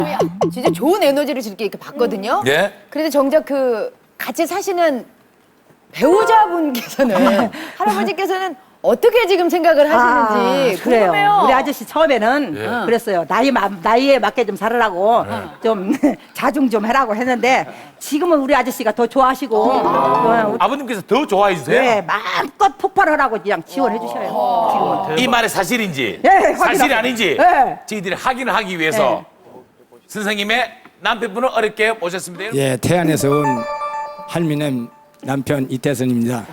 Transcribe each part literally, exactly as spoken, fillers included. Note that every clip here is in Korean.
진짜 좋은 에너지를 이렇게 이렇게 받거든요. 예. 그런데 정작 그 같이 사시는 배우자분께서는 할아버지께서는 어떻게 지금 생각을 하시는지 아, 그래요. 궁금해요. 우리 아저씨 처음에는 예. 그랬어요. 나이 마- 나이에 맞게 좀 살으라고 좀 자중 좀 해라고 했는데 지금은 우리 아저씨가 더 좋아하시고 어, 아버님께서 더 좋아해 주세요. 네, 마음껏 폭발하라고 그냥 지원해 주셔요. 지금은. 이 말이 사실인지 네, 확인하고. 사실이 아닌지 네. 저희들이 확인을 하기 위해서 선생님의 남편분을 어렵게 모셨습니다. 예, 태안에서 온 할미남 남편 이태선입니다.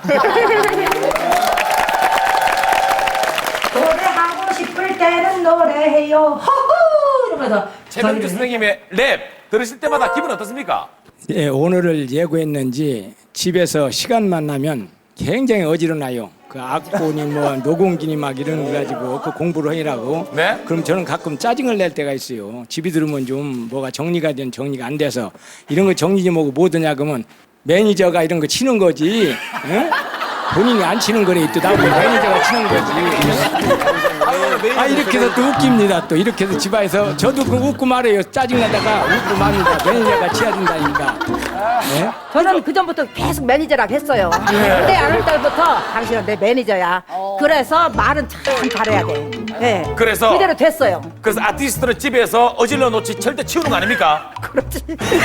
노래하고 싶을 때는 노래해요. 허구 이러면서 최명주 저희를 선생님의 랩 들으실 때마다 기분 어떻습니까? 예, 오늘을 예고했는지 집에서 시간만 나면 굉장히 어지러나요. 그 악보니 뭐 노공기니 막 이런 거 가지고 그 공부를 하라고. 네? 그럼 저는 가끔 짜증을 낼 때가 있어요. 집에 들으면 좀 뭐가 정리가 된 정리가 안 돼서 이런 거 정리 좀 하고 뭐 드냐 그러면 매니저가 이런 거 치는 거지. 응? 본인이 안 치는 거네. 또 나보고 매니저가 치는 거지. 아 이렇게 해서 또 웃깁니다. 또 이렇게 해서 집안에서 저도 그 웃고 말해요. 짜증나다가 웃고 맙니다. 매니저가 치야 된다니까. 네? 저는 그 전부터 계속 매니저라고 했어요. 그때 아는 때부터 당신은 내 매니저야. 그래서 말은 참 잘해야 돼. 네. 그래서? 그대로 됐어요. 그래서 아티스트는 집에서 어질러 놓지 절대 치우는 거 아닙니까? 그렇지.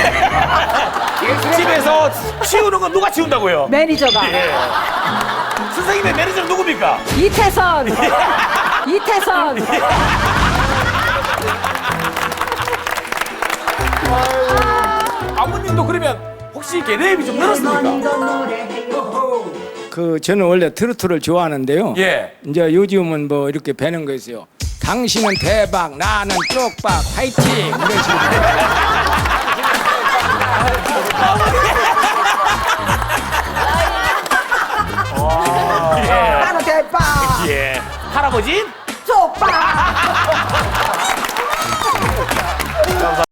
집에서 치우는 건 누가 치운다고요? 매니저가 예. 선생님의 매니저는 누굽니까? 이태선. 이태선. 아버님도 그러면 혹시 이렇게 랩이 좀 늘었습니까? 그 저는 원래 트로트를 좋아하는데요. 예. 이제 요즘은 뭐 이렇게 배는 거 있어요. 당신은 대박, 나는 쪽박, 화이팅 이런 식으로. 나는 대박. 예. 할아버지? 쪽박.